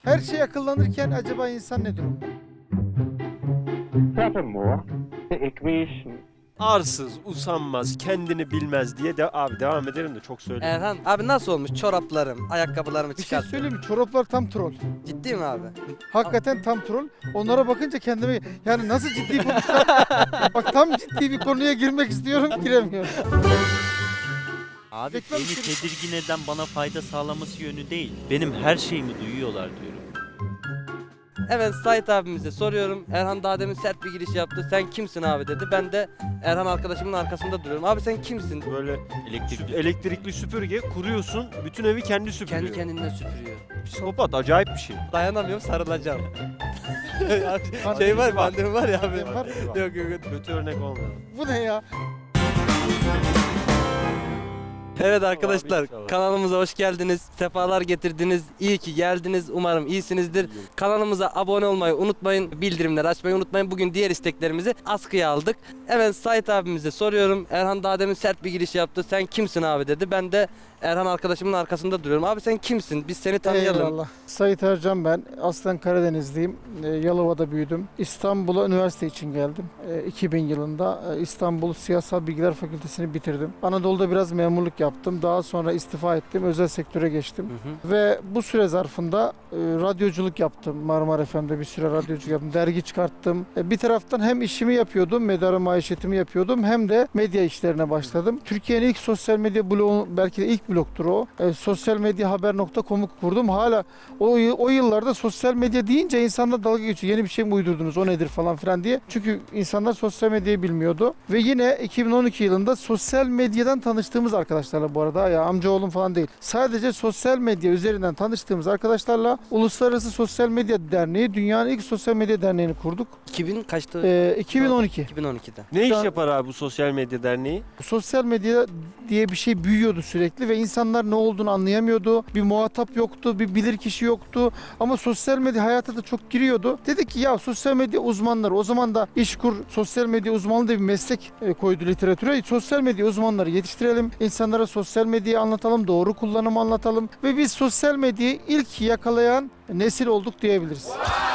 Her şey akıllanırken acaba insan ne durumda? Furthermore, the equation Arsız, usanmaz, kendini bilmez diye de abi devam ederim de çok söyleyeyim. Erhan abi nasıl olmuş çoraplarım, ayakkabılarımı Bir şey çıkarttım. söyleyeyim mi? Çoraplar tam troll. Ciddi mi abi? Hakikaten tam troll. Onlara bakınca kendimi yani nasıl ciddi konuşacağım? Bak tam ciddi bir konuya girmek istiyorum, giremiyorum. Abi Reklam beni için- tedirgin eden bana fayda sağlaması yönü değil. Benim her şeyimi duyuyorlar diyorum. Evet Sait abimize soruyorum. Erhan daha demin sert bir giriş yaptı. Sen kimsin abi dedi. Ben de Erhan arkadaşımın arkasında duruyorum. Abi sen kimsin? Böyle Elektrikli. elektrikli süpürge kuruyorsun, bütün evi kendi süpürüyor. Kendi kendine süpürüyor. Psikopat, acayip bir şey. Dayanamıyorum sarılacağım. Pandemi şey var var. pandemi var ya abi. Pandemi var. Yok yok yok. Kötü örnek olmuyor. Bu ne ya? Evet arkadaşlar inşallah. kanalımıza hoş geldiniz. Sefalar getirdiniz. İyi ki geldiniz. Umarım iyisinizdir. Kanalımıza abone olmayı unutmayın. Bildirimleri açmayı unutmayın. Bugün diğer isteklerimizi askıya aldık. Evet Sait abimize soruyorum. Erhan daha demin sert bir giriş yaptı. Sen kimsin abi dedi. Ben de Erhan arkadaşımın arkasında duruyorum. Abi sen kimsin? Biz seni tanıyalım. Eyvallah. Sait Ercan ben. Aslen Karadenizliyim. Yalova'da büyüdüm. İstanbul'a üniversite için geldim. 2000 yılında İstanbul Siyasal Bilgiler Fakültesini bitirdim. Anadolu'da biraz memurluk yaptım. Daha sonra istifa ettim. Özel sektöre geçtim. Hı hı. Ve bu süre zarfında radyoculuk yaptım. Marmara FM'de bir süre radyoculuk yaptım. Dergi çıkarttım. Bir taraftan hem işimi yapıyordum, medarı maişetimi yapıyordum, hem de medya işlerine başladım. Türkiye'nin ilk sosyal medya bloğu, belki de ilk bloktur o. Sosyalmedyahaber.com'u kurdum. Hala o yıllarda sosyal medya deyince insanlar dalga geçiyor. Yeni bir şey mi uydurdunuz, o nedir falan filan diye. Çünkü insanlar sosyal medyayı bilmiyordu. Ve yine 2012 yılında sosyal medyadan tanıştığımız arkadaşlarla, bu arada ya amcaoğlum falan değil. Sadece sosyal medya üzerinden tanıştığımız arkadaşlarla Uluslararası Sosyal Medya Derneği, dünyanın ilk sosyal medya derneğini kurduk. 2000 kaçtı? 2012. 2012'de. Ne Şu iş an- yapar abi bu sosyal medya derneği? Sosyal medya diye bir şey büyüyordu sürekli ve insanlar ne olduğunu anlayamıyordu. Bir muhatap yoktu, bir bilirkişi yoktu. Ama sosyal medya hayata da çok giriyordu. Dedik ki ya sosyal medya uzmanları, o zaman da İşkur sosyal medya uzmanlığı diye bir meslek koydu literatüre. Sosyal medya uzmanları yetiştirelim. İnsanlara sosyal medyayı anlatalım, doğru kullanımı anlatalım. Ve biz sosyal medyayı ilk yakalayan nesil olduk diyebiliriz.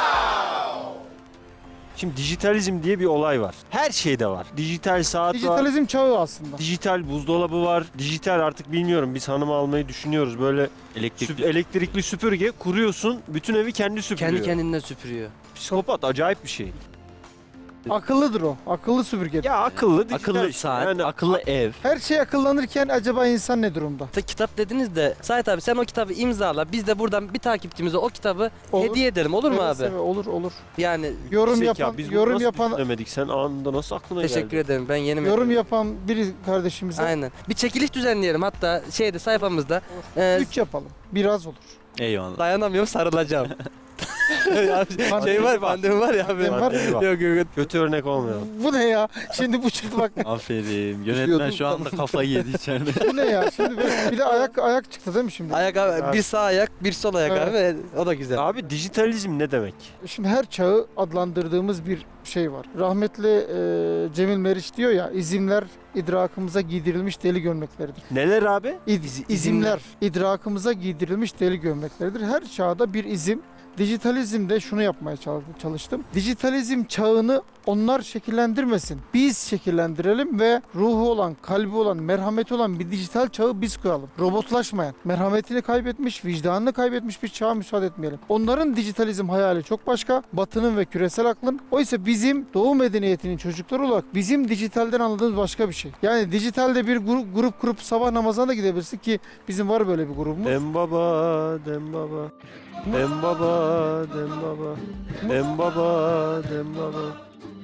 Şimdi dijitalizm diye bir olay var. Her şeyde var. Dijital saat var. Dijitalizm çağı aslında. Dijital buzdolabı var. Dijital artık bilmiyorum. Biz hanımı almayı düşünüyoruz. Böyle Elektrikli. elektrikli süpürge kuruyorsun. Bütün evi kendi süpürüyor. Kendi kendine süpürüyor. Psikopat, acayip bir şey. Akıllıdır o. Akıllı süpürge. Ya akıllı dijital Akıllı şey. saat, Yani akıllı ev. Her şey akıllanırken acaba insan ne durumda? Kitap dediniz de Sait abi sen o kitabı imzala. Biz de buradan bir takipçimize o kitabı Olur. hediye edelim olur mu Seve abi? seve, olur. Yani Yorum zeka. yapan, Biz bunu yorum nasıl yapan, düşünemedik? Sen anında nasıl aklına teşekkür geldi? ederim ben yeni yorum yapan bir kardeşimize Aynen. Bir çekiliş düzenleyelim hatta şeyde sayfamızda. 3 yapalım. Biraz olur. Eyvallah. Dayanamıyorum sarılacağım. Abi, şey var pandemi var ya abi. Pandemi var. Yok yok. Kötü örnek olmuyor. Bu ne ya? Şimdi bu çıktı bak. Aferin. Yönetmen şu anda kafayı yedi içeride. Bu ne ya? Şimdi bir de ayak çıktı değil mi şimdi? Ayak abi, bir sağ ayak bir sol ayak Evet. abi o da güzel. Abi dijitalizm ne demek? Şimdi her çağı adlandırdığımız bir şey var. Rahmetli Cemil Meriç diyor ya, izimler idrakımıza giydirilmiş deli gömlekleridir. Neler abi? İzimler idrakımıza giydirilmiş deli gömlekleridir. Her çağda bir izim. Dijitalizmde şunu yapmaya çalıştım. Dijitalizm çağını onlar şekillendirmesin. Biz şekillendirelim ve ruhu olan, kalbi olan, merhameti olan bir dijital çağı biz kuralım. Robotlaşmayan, merhametini kaybetmiş, vicdanını kaybetmiş bir çağa müsaade etmeyelim. Onların dijitalizm hayali çok başka. Batı'nın ve küresel aklın. Oysa bizim Doğu medeniyetinin çocukları olarak bizim dijitalden anladığımız başka bir şey. Yani dijitalde bir grup kurup sabah namazına da gidebilirsin ki bizim var böyle bir grubumuz. Dem baba, dem baba. Dem baba, dem baba. Dem baba, dem baba.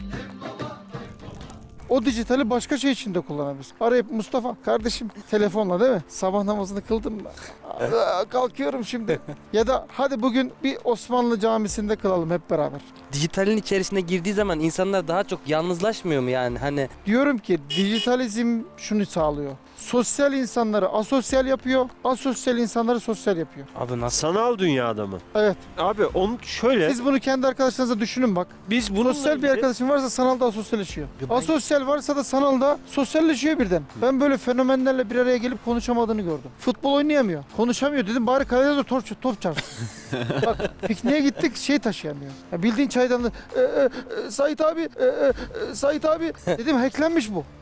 O dijitali başka şey için de kullanabiliriz. Arayıp Mustafa kardeşim telefonla değil mi? Sabah namazını kıldım mı? Kalkıyorum şimdi. Ya da hadi bugün bir Osmanlı camisinde kılalım hep beraber. Dijitalin içerisine girdiği zaman insanlar daha çok yalnızlaşmıyor mu yani hani? Diyorum ki dijitalizm şunu sağlıyor. Sosyal insanları asosyal yapıyor, asosyal insanları sosyal yapıyor. Abi nasıl? Sanal dünyada mı? Evet. Abi onu şöyle Siz bunu kendi arkadaşlarınıza düşünün bak. biz bununla Sosyal bir ilgili- arkadaşın varsa sanalda asosyalleşiyor. Ben- Asosyal varsa da sanalda sosyalleşiyor birden. Ben böyle fenomenlerle bir araya gelip konuşamadığını gördüm. Futbol oynayamıyor. Konuşamıyor dedim bari kalede de top çarpsın. Bak pikniğe gittik şey taşıyamıyor. Ya bildiğin çaydanlığı Sait abi Sait abi dedim hacklenmiş bu.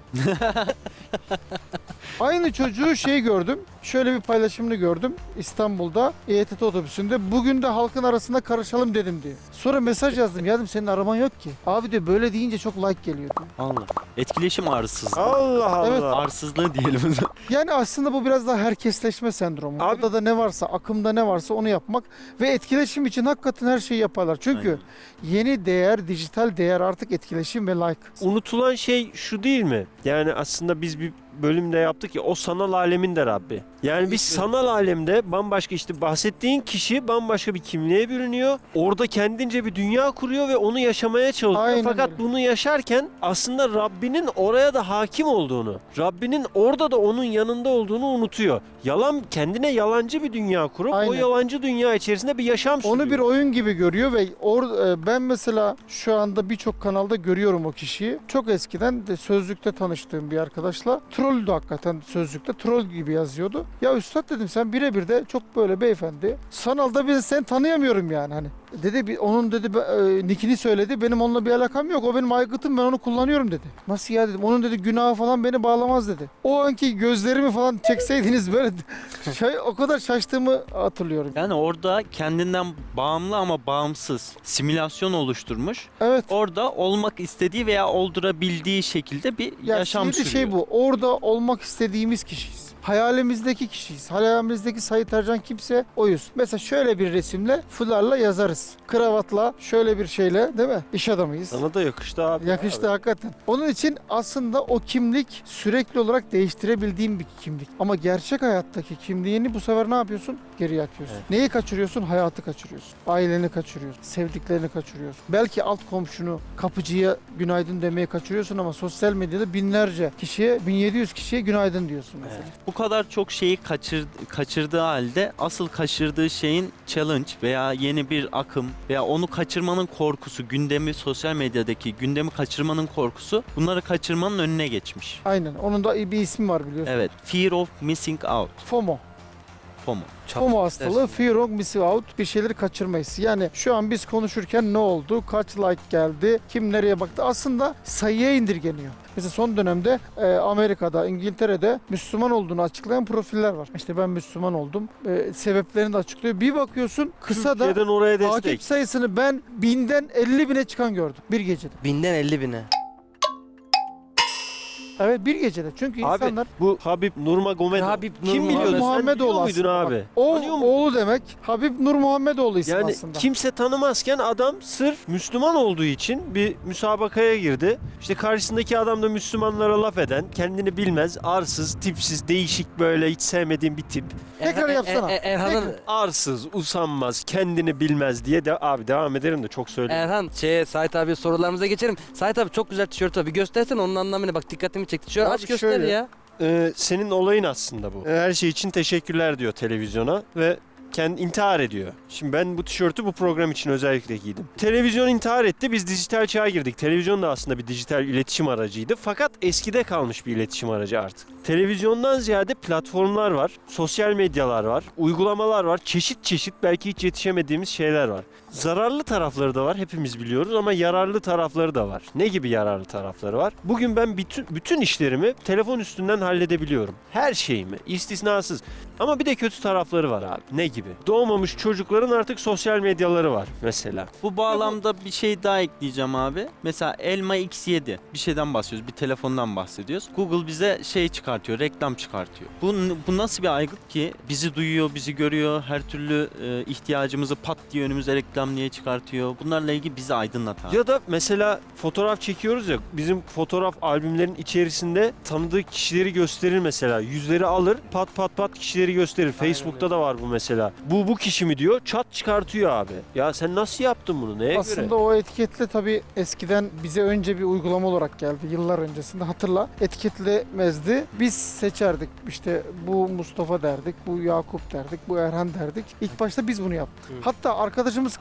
Aynı çocuğu şey gördüm. Şöyle bir paylaşımını gördüm İstanbul'da İETT otobüsünde. Bugün de halkın arasında karışalım dedim diye. Sonra mesaj yazdım. Yazdım senin araman yok ki. Abi diyor böyle deyince çok like geliyor diyor. Allah. Etkileşim arsızlığı. Allah Allah. Evet. Arsızlığı diyelim. Yani aslında bu biraz daha herkesleşme sendromu. Abi- Orada da ne varsa, akımda ne varsa onu yapmak ve etkileşim için hakikaten her şeyi yaparlar. Çünkü yeni değer, dijital değer artık etkileşim ve like. Unutulan şey şu değil mi? Yani aslında biz bir bölümde yaptık ya o sanal alemin de Rabbi. Yani biz sanal alemde bambaşka işte bahsettiğin kişi bambaşka bir kimliğe bürünüyor. Orada kendince bir dünya kuruyor ve onu yaşamaya çalışıyor. Aynen Fakat öyle. bunu yaşarken aslında Rabbinin oraya da hakim olduğunu, Rabbinin orada da onun yanında olduğunu unutuyor. Kendine yalancı bir dünya kurup o Aynen. yalancı dünya içerisinde bir yaşam sürüyor. Onu bir oyun gibi görüyor ve ben mesela şu anda birçok kanalda görüyorum o kişiyi. Çok eskiden de Sözlük'te tanıştığım bir arkadaşla trolldü hakikaten Sözlük'te troll gibi yazıyordu. Ya üstad dedim sen birebir de çok böyle beyefendi. Sanalda bir seni tanıyamıyorum yani hani. Dedi onun dedi nickini söyledi. Benim onunla bir alakam yok. O benim aygıtım ben onu kullanıyorum dedi. Nasıl ya dedim. Onun dedi günahı falan beni bağlamaz dedi. O anki gözlerimi falan çekseydiniz böyle o kadar şaştığımı hatırlıyorum. Yani orada kendinden bağımlı ama bağımsız simülasyon oluşturmuş. Evet. Orada olmak istediği veya oldurabildiği şekilde bir Ya yaşam şimdi sürüyor. şey bu. Orada olmak istediğimiz kişiyiz. Hayalimizdeki kişiyiz. Hayalimizdeki Sait Ercan kimse oyuz. Mesela şöyle bir resimle fularla yazarız. Kravatla şöyle bir şeyle değil mi? İş adamıyız. Sana da yakıştı abi. Yakıştı hakikaten. Onun için aslında o kimlik sürekli olarak değiştirebildiğim bir kimlik. Ama gerçek hayattaki kimliğini bu sefer ne yapıyorsun? Geriye atıyorsun. Evet. Neyi kaçırıyorsun? Hayatı kaçırıyorsun. Aileni kaçırıyorsun. Sevdiklerini kaçırıyorsun. Belki alt komşunu, kapıcıya günaydın demeye kaçırıyorsun ama sosyal medyada binlerce kişiye, 1700 kişiye günaydın diyorsun mesela. Bu kadar çok şeyi kaçırdığı halde asıl kaçırdığı şeyin challenge veya yeni bir akım veya onu kaçırmanın korkusu, gündemi sosyal medyadaki gündemi kaçırmanın korkusu bunları kaçırmanın önüne geçmiş. Aynen. Onun da bir ismi var biliyorsun. Evet, fear of missing out. FOMO. FOMO. FOMO hastalığı, fear of missing out, bir şeyleri kaçırma hissi. Yani şu an biz konuşurken ne oldu, kaç like geldi, kim nereye baktı aslında sayıya indirgeniyor. Mesela son dönemde Amerika'da, İngiltere'de Müslüman olduğunu açıklayan profiller var. İşte ben Müslüman oldum, sebeplerini de açıklıyor. Bir bakıyorsun kısa da Türkiye'den oraya takip destek. sayısını ben 1000'den 50.000'e çıkan gördüm bir gecede. 1000'den 50.000'e. Evet bir gecede çünkü Abi insanlar bu Habib Nurmagomedov. Habib Kim biliyordu? Sen Muhammedoğlu biliyor muydun aslında. abi? Bak, o Tanıyor muydun? oğlu demek Habib Nurmuhammedoğlu ismi Yani aslında. kimse tanımazken adam sırf Müslüman olduğu için bir müsabakaya girdi. İşte karşısındaki adam da Müslümanlara laf eden, kendini bilmez, arsız, tipsiz, değişik böyle hiç sevmediğim bir tip. Tekrar yapsana. Erhan'ın Arsız, usanmaz, kendini bilmez diye de abi devam ederim de çok söyleyeyim. Erhan Sait abi sorularımıza geçelim. Sait abi çok güzel tişört abi. Göstersene onun anlamını. Bak dikkatimi çekti. Tişört Abi aç göster şöyle. ya. Senin olayın aslında bu. Her şey için teşekkürler diyor televizyona ve kendi intihar ediyor. Şimdi ben bu tişörtü bu program için özellikle giydim. Televizyon intihar etti. Biz dijital çağa girdik. Televizyon da aslında bir dijital iletişim aracıydı. Fakat eskide kalmış bir iletişim aracı artık. Televizyondan ziyade platformlar var. Sosyal medyalar var. Uygulamalar var. Çeşit çeşit belki hiç yetişemediğimiz şeyler var. Zararlı tarafları da var. Hepimiz biliyoruz ama yararlı tarafları da var. Ne gibi yararlı tarafları var? Bugün ben bütün işlerimi telefon üstünden halledebiliyorum. Her şeyimi. İstisnasız. Ama bir de kötü tarafları var abi. Ne gibi? Doğmamış çocukların artık sosyal medyaları var mesela. Bu bağlamda bir şey daha ekleyeceğim abi. Mesela Elma X7 bir şeyden bahsediyoruz, bir telefondan bahsediyoruz. Google bize şey çıkartıyor, reklam çıkartıyor. Bu nasıl bir aygıt ki? Bizi duyuyor, bizi görüyor, her türlü ihtiyacımızı pat diye önümüze reklam niye çıkartıyor? Bunlarla ilgili bizi aydınlatan. Ya da mesela fotoğraf çekiyoruz ya, bizim fotoğraf albümlerin içerisinde tanıdığı kişileri gösterir mesela. Yüzleri alır, pat pat pat kişileri gösterir. Facebook'ta da var bu mesela. mesela bu kişi mi diyor, çat çıkartıyor abi. Ya sen nasıl yaptın bunu, neye Aslında göre? o etiketle tabii eskiden bize önce bir uygulama olarak geldi. Yıllar öncesinde hatırla. Etiketlemezdi. Biz seçerdik. İşte bu Mustafa derdik, bu Yakup derdik, bu Erhan derdik. İlk başta biz bunu yaptık. Hı. Hatta arkadaşımız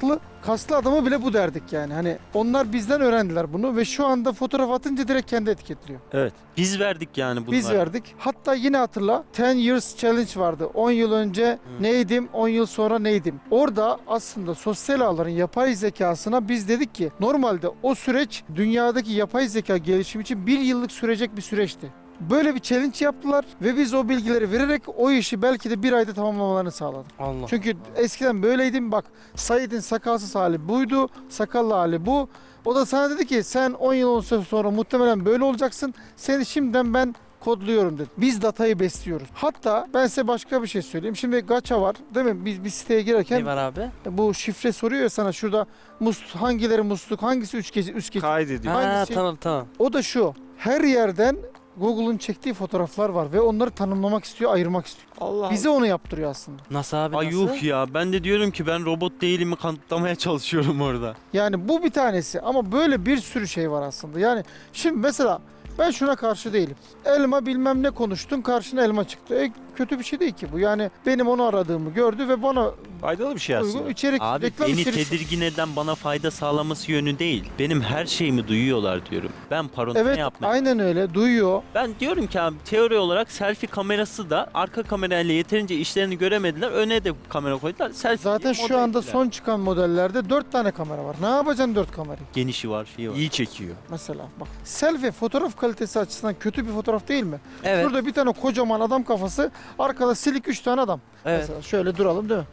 kaslı adamı bile bu derdik yani. Hani onlar bizden öğrendiler bunu ve şu anda fotoğraf atınca direkt kendi etiketliyor. Evet. Biz verdik yani bunları. Biz verdik. Hatta yine hatırla 10 years challenge vardı. 10 yıl önce neydim, 10 yıl sonra neydim. Orada aslında sosyal ağların yapay zekasına biz dedik ki normalde o süreç dünyadaki yapay zeka gelişimi için 1 yıllık sürecek bir süreçti. Böyle bir challenge yaptılar ve biz o bilgileri vererek o işi belki de 1 ayda tamamlamalarını sağladık. Allah. Çünkü eskiden böyleydim, bak Said'in sakalsız hali buydu, sakallı hali bu. O da sana dedi ki sen 10 yıl sonra muhtemelen böyle olacaksın. Seni şimdiden ben kodluyorum dedi. Biz datayı besliyoruz. Hatta ben size başka bir şey söyleyeyim. Şimdi gacha var değil mi? Biz bir siteye girerken Ne var abi? bu şifre soruyor ya sana şurada hangileri musluk, hangisi üst geçit. Kaydediyor. Ha Hangisi- tamam. O da şu. Her yerden Google'un çektiği fotoğraflar var ve onları tanımlamak istiyor, ayırmak istiyor. Allah Bize onu yaptırıyor aslında. Nasıl abi Ay nasıl? yuh ya, ben de diyorum ki ben robot değilimi kanıtlamaya çalışıyorum orada. Yani bu bir tanesi ama böyle bir sürü şey var aslında. Yani şimdi mesela ben şuna karşı değilim. Elma bilmem ne konuştun, karşına elma çıktı. Kötü bir şey değil ki bu. Yani benim onu aradığımı gördü ve bana faydalı bir şey uygun aslında. içerik, Abi reklam beni içeriği. tedirgin eden bana fayda sağlaması yönü değil. Benim her şeyimi duyuyorlar diyorum. Ben paranoya Evet, yapmaya. aynen öyle. Duyuyor. Ben diyorum ki abi teori olarak selfie kamerası da arka kamerayla yeterince işlerini göremediler. Öne de kamera koydular. Selfie Zaten diye şu moda anda ettiler. son çıkan modellerde 4 tane kamera var. Ne yapacaksın 4 kamerayı? genişi var, şeyi var. İyi çekiyor. Mesela bak. Selfie fotoğraf kalitesi açısından kötü bir fotoğraf değil mi? Evet. Şurada bir tane kocaman adam kafası, arkada silik 3 tane adam. Evet. Mesela şöyle duralım değil mi?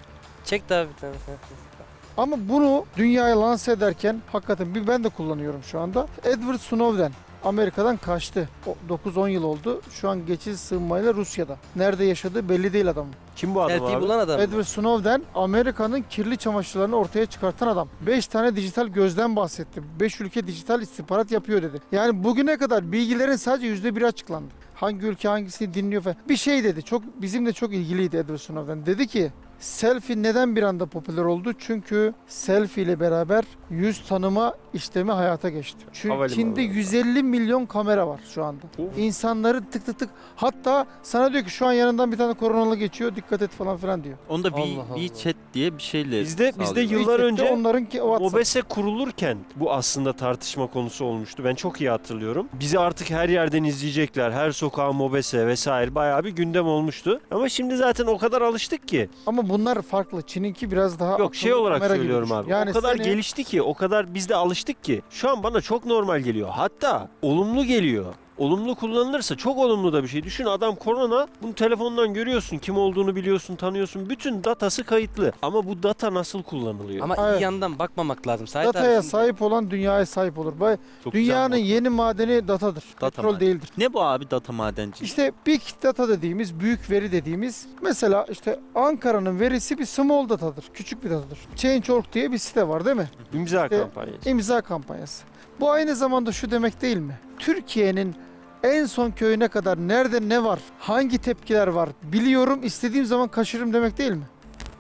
Çek de abi bir tane. Ama bunu dünyaya lanse ederken hakikaten ben de kullanıyorum şu anda. Edward Snowden Amerika'dan kaçtı. 9-10 yıl oldu. Şu an geçici sığınmayla Rusya'da. Nerede yaşadığı belli değil adamın. Kim bu adam Selfie abi? bulan adam. mı? Edward Snowden Amerika'nın kirli çamaşırlarını ortaya çıkartan adam. 5 tane dijital gözden bahsetti. 5 ülke dijital istihbarat yapıyor dedi. Yani bugüne kadar bilgilerin sadece %1'i açıklandı. Hangi ülke hangisini dinliyor falan. Bir şey dedi. Bizimle çok ilgiliydi Edward Snowden. Dedi ki selfie neden bir anda popüler oldu? Çünkü selfie ile beraber yüz tanıma işlemi hayata geçti. Çünkü Havalimanı. Çin'de 150 milyon kamera var şu anda. Of. İnsanları tık tık tık. Hatta sana diyor ki şu an yanından bir tane koronalı geçiyor. Dikkat et falan filan diyor. Onda Allah Allah. WeChat diye bir şeyle Bizde sağlıyorlar. yıllar önce onların ki WhatsApp. Mobese kurulurken bu aslında tartışma konusu olmuştu. Ben çok iyi hatırlıyorum. Bizi artık her yerden izleyecekler. Her sokağa Mobese vesaire bayağı bir gündem olmuştu. Ama şimdi zaten o kadar alıştık ki. Ama bunlar farklı. Çin'inki biraz daha Yok şey akıllı olarak kamera gibi söylüyorum düşün. abi. Yani o kadar seni- gelişti ki, o kadar biz de alıştık ki. Şu an bana çok normal geliyor. Hatta olumlu geliyor. Olumlu kullanılırsa çok olumlu da bir şey. Düşün adam korona, bunu telefondan görüyorsun, kim olduğunu biliyorsun, tanıyorsun. Bütün datası kayıtlı. Ama bu data nasıl kullanılıyor? Ama Evet. iyi yandan bakmamak lazım. Sait abi Dataya şimdi- sahip olan dünyaya sahip olur. Çok Dünyanın güzel yeni madeni datadır. Data Petrol madeni. değildir. Ne bu abi data madenci? İşte big data dediğimiz, büyük veri dediğimiz, mesela işte Ankara'nın verisi bir small datadır. Küçük bir datadır. Change.org diye bir site var değil mi? İmza İşte- kampanyası. İmza kampanyası. Bu aynı zamanda şu demek değil mi? Türkiye'nin en son köyüne kadar nerede ne var, hangi tepkiler var biliyorum, istediğim zaman kaçırırım demek değil mi?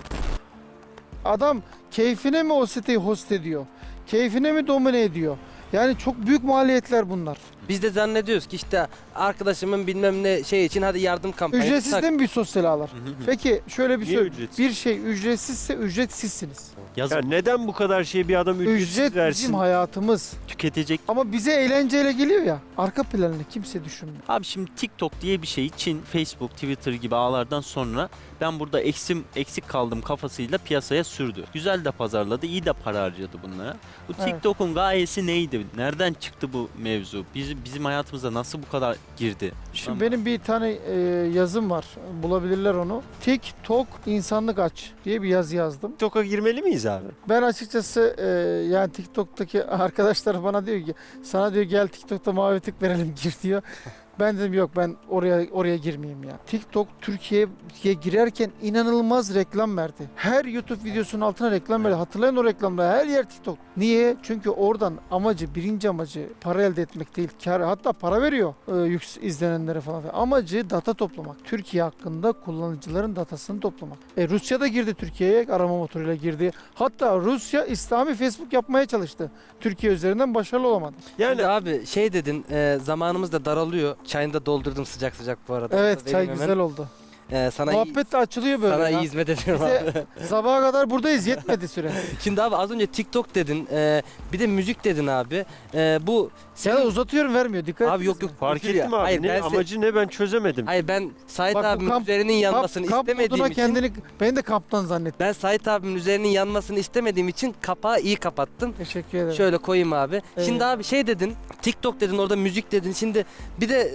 Adam keyfine mi o siteyi host ediyor? Keyfine mi domine ediyor? Yani çok büyük maliyetler bunlar. Biz de zannediyoruz ki işte arkadaşımın bilmem ne şey için hadi yardım kampanyası. Ücretsiz tak. de mi bir sosyal ağlar? Peki şöyle bir Niye şey. ücretsiz? Bir şey ücretsizse ücretsizsiniz. Yazık, Ya neden bu kadar şey bir adam ücretsiz Ücret versin? bizim hayatımız. tüketecek. Ama bize eğlenceyle geliyor ya. Arka planını kimse düşünmüyor. Abi şimdi TikTok diye bir şey Çin, Facebook, Twitter gibi ağlardan sonra ben burada eksik kaldım kafasıyla piyasaya sürdü. Güzel de pazarladı, iyi de para harcadı bunlara. Bu Evet. TikTok'un gayesi neydi? Nereden çıktı bu mevzu? Bizim hayatımıza nasıl bu kadar girdi? Şimdi Ama- benim bir tane yazım var. Bulabilirler onu. TikTok insanlık aç diye bir yazı yazdım. TikTok'a girmeli miyiz abi? Ben açıkçası yani TikTok'taki arkadaşlar bana diyor ki sana diyor gel TikTok'ta mavi tık verelim gir diyor. Ben dedim yok, ben oraya girmeyeyim ya. TikTok Türkiye'ye girerken inanılmaz reklam verdi. Her YouTube videosunun altına reklam verdi. Hatırlayın o reklamları, her yer TikTok. Niye? Çünkü oradan birinci amacı para elde etmek değil. Hatta para veriyor izlenenlere falan. Amacı data toplamak. Türkiye hakkında kullanıcıların datasını toplamak. Rusya da girdi Türkiye'ye, arama motoruyla girdi. Hatta Rusya İslami Facebook yapmaya çalıştı. Türkiye üzerinden başarılı olamadı. Yani Şimdi abi şey dedin, zamanımız da daralıyor. Çayını da doldurdum sıcak sıcak bu arada. Evet, Vereyim çay hemen. güzel oldu. Sana Muhabbet de açılıyor böyle. sana ya. iyi hizmet ediyorum abi. Bize sabaha kadar buradayız, yetmedi süre. Şimdi abi az önce TikTok dedin, bir de müzik dedin abi. Bu Sana uzatıyorum, vermiyor, dikkat abi yok etmez yok. fark Küfür ya. ettim abi. Hayır, Ne, ben amacı ne ben çözemedim. Hayır ben Sait Bak, bu abimin kamp- üzerinin yanmasını Kamp istemediğim moduna için beni de kamptan zannettim. ben Sait abimin üzerinin yanmasını istemediğim için kapağı iyi kapattım. Teşekkür ederim. Şöyle koyayım abi. Evet. Şimdi abi şey dedin, TikTok dedin, orada müzik dedin. Şimdi bir de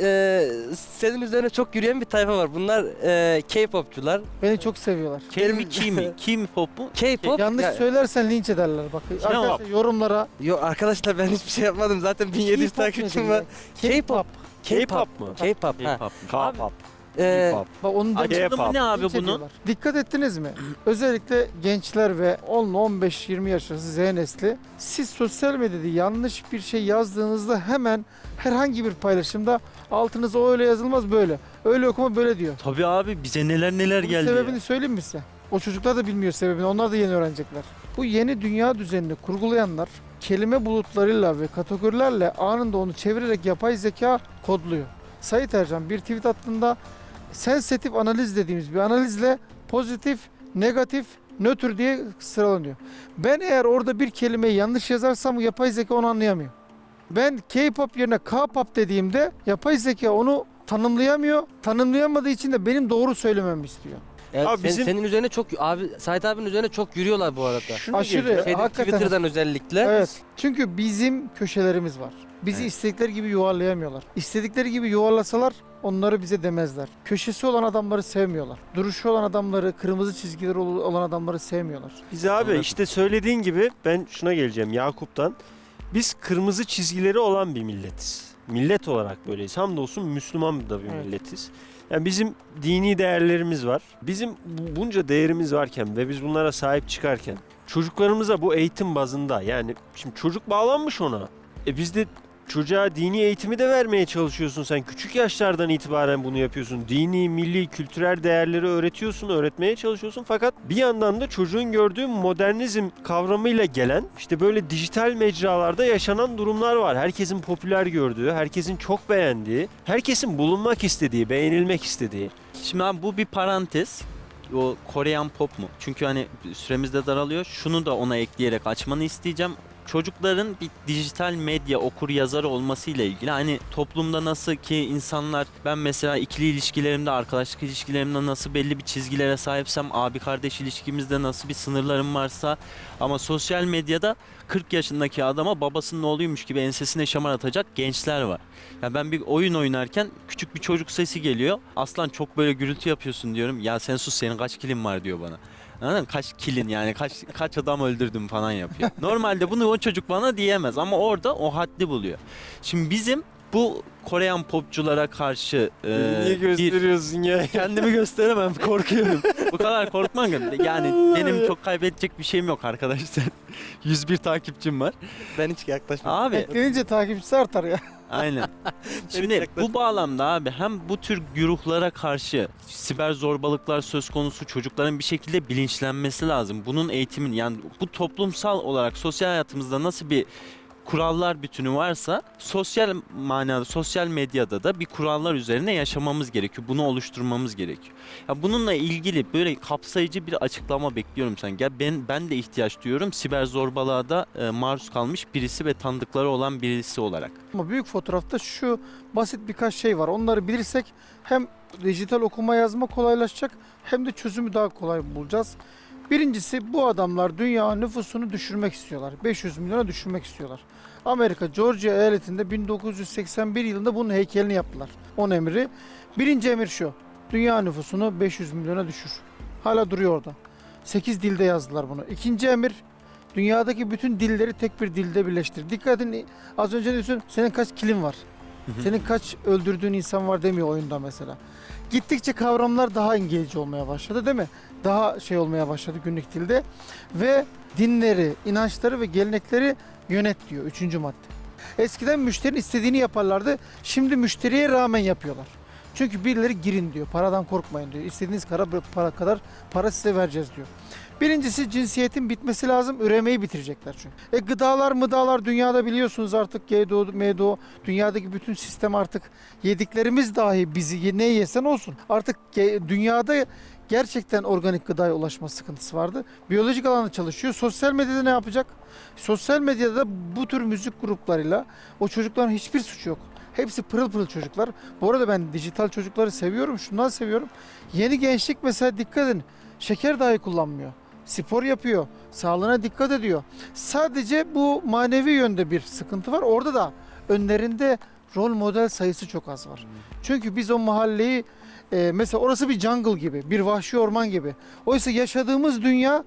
senin üzerine çok yürüyen bir tayfa var. Bunlar K-popçular. Beni çok seviyorlar. Kelime kimi pop mu? K-pop. Yanlış ya- söylersen linç ederler bak. Arkadaşlar yorumlara Yo arkadaşlar ben hiçbir şey yapmadım. Zaten 1700 K-pop takipçim nedir var. ya? K-pop. K-pop mu? K-pop. ha. K-pop. K-pop. Ee, Bak onu da Açılımı ne abi linç bunun? ediyorlar. Dikkat ettiniz mi? Özellikle gençler ve 10-15-20 yaş arası Z nesli, siz sosyal medyada yanlış bir şey yazdığınızda hemen herhangi bir paylaşımda altınıza o öyle yazılmaz böyle. Öyle okuma böyle diyor. Tabii abi bize neler Bunun geldi. sebebini ya. söyleyeyim mi size? O çocuklar da bilmiyor sebebini. Onlar da yeni öğrenecekler. Bu yeni dünya düzenini kurgulayanlar kelime bulutlarıyla ve kategorilerle anında onu çevirerek yapay zeka kodluyor. Sait Ercan bir tweet attığında sensitif analiz dediğimiz bir analizle pozitif, negatif, nötr diye sıralanıyor. Ben eğer orada bir kelimeyi yanlış yazarsam yapay zeka onu anlayamıyor. Ben K-pop yerine K-pop dediğimde yapay zeka onu tanımlayamıyor. Tanımlayamadığı için de benim doğru söylememi istiyor. evet, Abi bizim- senin üzerine çok abi Sait abinin üzerine çok yürüyorlar bu arada. Şunu Aşırı. diyeceğim. Şeyde, hakikaten. Twitter'dan özellikle. Evet. Çünkü bizim köşelerimiz var. Bizi Evet. istedikleri gibi yuvarlayamıyorlar. İstedikleri gibi yuvarlasalar onları bize demezler. Köşesi olan adamları sevmiyorlar. Duruşu olan adamları, kırmızı çizgileri olan adamları sevmiyorlar. Biz abi Anladım. işte söylediğin gibi ben şuna geleceğim Yakup'tan. Biz kırmızı çizgileri olan bir milletiz. Millet olarak böyleyiz. Hamdolsun Müslüman da bir Evet. milletiz. Yani bizim dini değerlerimiz var. Bizim bunca değerimiz varken ve biz bunlara sahip çıkarken çocuklarımıza bu eğitim bazında, yani şimdi çocuk bağlanmış ona. Biz de çocuğa dini eğitimi de vermeye çalışıyorsun sen. Küçük yaşlardan itibaren bunu yapıyorsun. Dini, milli, kültürel değerleri öğretiyorsun, öğretmeye çalışıyorsun. Fakat bir yandan da çocuğun gördüğü modernizm kavramıyla gelen işte böyle dijital mecralarda yaşanan durumlar var. Herkesin popüler gördüğü, herkesin çok beğendiği, herkesin bulunmak istediği, beğenilmek istediği. Şimdi abi bu bir parantez. O Korean pop mu? Çünkü hani süremiz de daralıyor. Şunu da ona ekleyerek açmanı isteyeceğim. Çocukların bir dijital medya okur yazarı olmasıyla ilgili, hani toplumda nasıl ki insanlar, ben mesela ikili ilişkilerimde, arkadaşlık ilişkilerimde nasıl belli bir çizgilere sahipsem, abi kardeş ilişkimizde nasıl bir sınırlarım varsa, ama sosyal medyada 40 yaşındaki adama babasının oğluymuş gibi ensesine şamar atacak gençler var. Ya ben bir oyun oynarken küçük bir çocuk sesi geliyor. Aslan çok böyle gürültü yapıyorsun diyorum. Ya sen sus, senin kaç kilin var diyor bana. Anladın mı? Kaç kilin, yani kaç adam öldürdüm falan yapıyor. Normalde bunu o çocuk bana diyemez ama orada o haddi buluyor. Şimdi bizim bu Korean popçulara karşı Niye bir gösteriyorsun ya? kendimi gösteremem, korkuyorum. Bu kadar korkmam. Yani benim çok kaybedecek bir şeyim yok arkadaşlar. 101 takipçim var. Ben hiç yaklaşmam. Abi Eklenince takipçisi artar ya. aynen. Şimdi bu bağlamda abi hem bu tür güruhlara karşı siber zorbalıklar söz konusu, çocukların bir şekilde bilinçlenmesi lazım. Bunun eğitimin, yani bu toplumsal olarak sosyal hayatımızda nasıl bir kurallar bütünü varsa sosyal manada, sosyal medyada da bir kurallar üzerine yaşamamız gerekiyor. Bunu oluşturmamız gerekiyor. Ya bununla ilgili böyle kapsayıcı bir açıklama bekliyorum sen. Ya ben de ihtiyaç duyuyorum siber zorbalığa da maruz kalmış birisi ve tanıdıkları olan birisi olarak. Ama büyük fotoğrafta şu basit birkaç şey var. Onları bilirsek hem dijital okuma yazma kolaylaşacak hem de çözümü daha kolay bulacağız. Birincisi, bu adamlar dünya nüfusunu düşürmek istiyorlar. 500 milyona düşürmek istiyorlar. Amerika Georgia eyaletinde 1981 yılında bunun heykelini yaptılar. 10 emri. Birinci emir şu: dünya nüfusunu 500 milyona düşür. Hala duruyor orada. 8 dilde yazdılar bunu. İkinci emir: dünyadaki bütün dilleri tek bir dilde birleştir. Dikkat edin, az önce diyorsun senin kaç kilin var. Senin kaç öldürdüğün insan var demiyor oyunda mesela. Gittikçe kavramlar daha İngilizce olmaya başladı değil mi? Daha şey olmaya başladı günlük dilde. Ve dinleri, inançları ve gelenekleri yönet diyor 3. madde. Eskiden müşterinin istediğini yaparlardı. Şimdi müşteriye rağmen yapıyorlar. Çünkü birileri girin diyor. Paradan korkmayın diyor. İstediğiniz para kadar para size vereceğiz diyor. Birincisi cinsiyetin bitmesi lazım. Üremeyi bitirecekler çünkü. Gıdalar dünyada biliyorsunuz artık GDO, MDO, dünyadaki bütün sistem artık yediklerimiz dahi bizi ne yesen olsun. Artık dünyada gerçekten organik gıdaya ulaşma sıkıntısı vardı. Biyolojik alanda çalışıyor. Sosyal medyada ne yapacak? Sosyal medyada bu tür müzik gruplarıyla o çocukların hiçbir suçu yok. Hepsi pırıl pırıl çocuklar. Bu arada ben dijital çocukları seviyorum. Şundan seviyorum. Yeni gençlik mesela dikkat edin. Şeker dahi kullanmıyor. Spor yapıyor. Sağlığına dikkat ediyor. Sadece bu manevi yönde bir sıkıntı var. Orada da önlerinde rol model sayısı çok az var. Çünkü biz o mahalleyi mesela orası bir jungle gibi, bir vahşi orman gibi. Oysa yaşadığımız dünya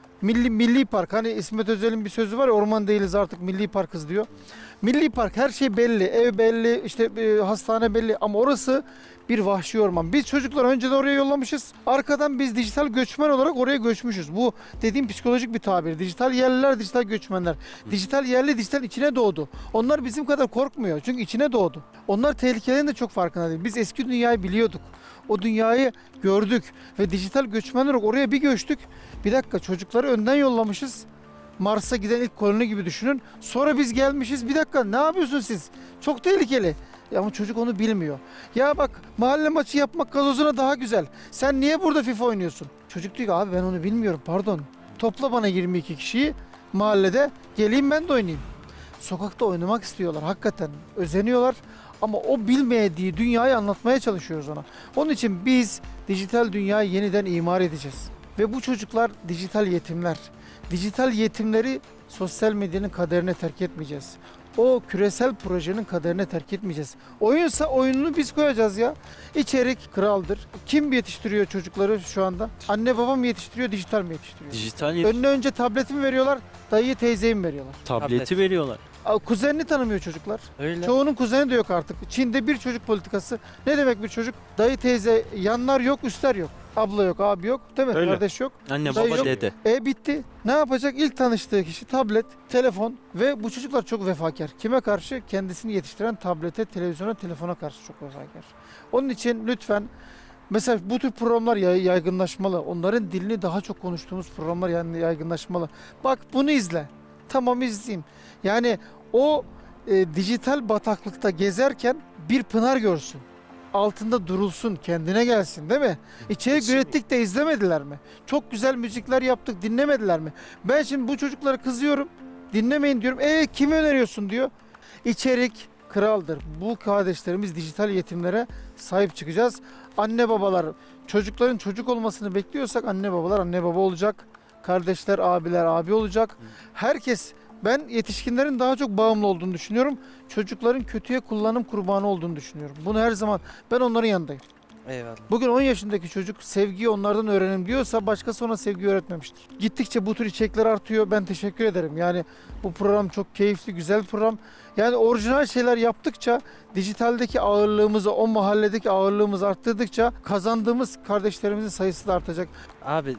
milli park. Hani İsmet Özel'in bir sözü var ya, orman değiliz artık milli parkız diyor. Milli park, her şey belli, ev belli, işte hastane belli ama orası bir vahşi orman. Biz çocuklar önceden oraya yollamışız. Arkadan biz dijital göçmen olarak oraya göçmüşüz. Bu dediğim psikolojik bir tabir. Dijital yerliler, dijital göçmenler. Dijital yerli, dijital içine doğdu. Onlar bizim kadar korkmuyor. Çünkü içine doğdu. Onlar tehlikelerin de çok farkında değil. Biz eski dünyayı biliyorduk. O dünyayı gördük ve dijital göçmenler olarak oraya bir göçtük. Bir dakika, çocukları önden yollamışız. Mars'a giden ilk koloni gibi düşünün. Sonra biz gelmişiz. Bir dakika, ne yapıyorsunuz siz? Çok tehlikeli. Ama çocuk onu bilmiyor. Ya bak, mahalle maçı yapmak gazozuna daha güzel. Sen niye burada FIFA oynuyorsun? Çocuk diyor ki abi ben onu bilmiyorum, pardon. Topla bana 22 kişiyi mahallede, geleyim ben de oynayayım. Sokakta oynamak istiyorlar hakikaten. Özeniyorlar ama o bilmediği dünyayı anlatmaya çalışıyoruz ona. Onun için biz dijital dünyayı yeniden imar edeceğiz. Ve bu çocuklar dijital yetimler. Dijital yetimleri sosyal medyanın kaderine terk etmeyeceğiz. O küresel projenin kaderine terk etmeyeceğiz. Oyunsa oyununu biz koyacağız ya. İçerik kraldır. Kim yetiştiriyor çocukları şu anda? Anne babam mı yetiştiriyor, dijital mi yetiştiriyor? Önüne önce tableti mi veriyorlar, dayıyı teyzeyi mi veriyorlar? Tableti veriyorlar. Kuzenini tanımıyor çocuklar. Öyle. Çoğunun kuzeni de yok artık. Çin'de bir çocuk politikası. Ne demek bir çocuk? Dayı teyze, yanlar yok, üstler yok. Abla yok, abi yok, değil mi? Öyle. Kardeş yok. Anne Dayı baba yok. dede. Bitti. Ne yapacak? İlk tanıştığı kişi tablet, telefon ve bu çocuklar çok vefakar. Kime karşı? Kendisini yetiştiren tablete, televizyona, telefona karşı çok vefakar. Onun için lütfen mesela bu tür programlar yaygınlaşmalı. Onların dilini daha çok konuştuğumuz programlar yaygınlaşmalı. Bak bunu izle. Tamam, izleyeyim. Yani o dijital bataklıkta gezerken bir pınar görsün. Altında durulsun, kendine gelsin, değil mi? İçerik ürettik de izlemediler mi? Çok güzel müzikler yaptık, dinlemediler mi? Ben şimdi bu çocuklara kızıyorum, dinlemeyin diyorum. Kimi öneriyorsun diyor. İçerik kraldır. Bu kardeşlerimiz dijital yetimlere sahip çıkacağız. Anne babalar, çocukların çocuk olmasını bekliyorsak anne babalar anne baba olacak. Kardeşler, abiler abi olacak. Herkes. Ben yetişkinlerin daha çok bağımlı olduğunu düşünüyorum. Çocukların kötüye kullanım kurbanı olduğunu düşünüyorum. Bunu her zaman ben onların yanındayım. Eyvallah. Bugün 10 yaşındaki çocuk sevgiyi onlardan öğrenim diyorsa başkası ona sevgi öğretmemiştir. Gittikçe bu tür içerikler artıyor. Ben teşekkür ederim. Yani bu program çok keyifli, güzel bir program. Yani orijinal şeyler yaptıkça, dijitaldeki ağırlığımızı, o mahalledeki ağırlığımızı arttırdıkça kazandığımız kardeşlerimizin sayısı da artacak. Abi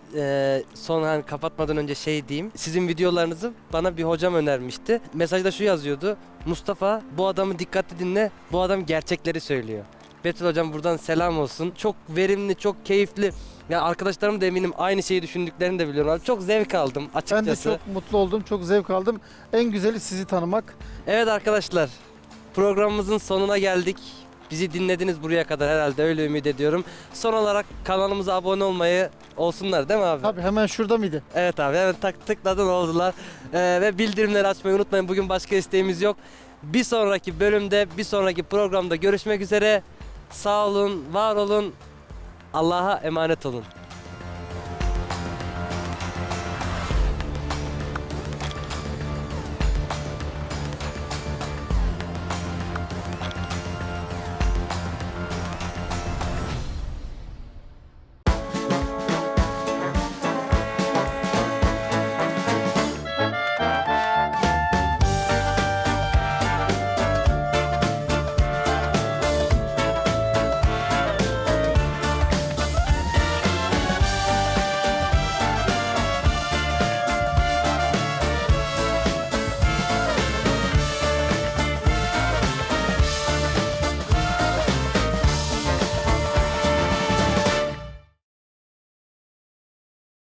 son hani kapatmadan önce şey diyeyim. Sizin videolarınızı bana bir hocam önermişti. Mesajda şu yazıyordu. Mustafa, bu adamı dikkatli dinle. Bu adam gerçekleri söylüyor. Betül hocam buradan selam olsun. Çok verimli, çok keyifli. Yani arkadaşlarım da eminim aynı şeyi düşündüklerini de biliyorum. Abi çok zevk aldım açıkçası. Ben de çok mutlu oldum, çok zevk aldım. En güzeli sizi tanımak. Evet arkadaşlar, programımızın sonuna geldik. Bizi dinlediniz buraya kadar herhalde, öyle ümit ediyorum. Son olarak kanalımıza abone olmayı olsunlar değil mi abi? Tabii, hemen şurada mıydı? Evet abi, hemen tıkladın oldular. Ve bildirimleri açmayı unutmayın. Bugün başka isteğimiz yok. Bir sonraki bölümde, bir sonraki programda görüşmek üzere. Sağ olun, var olun. Allah'a emanet olun.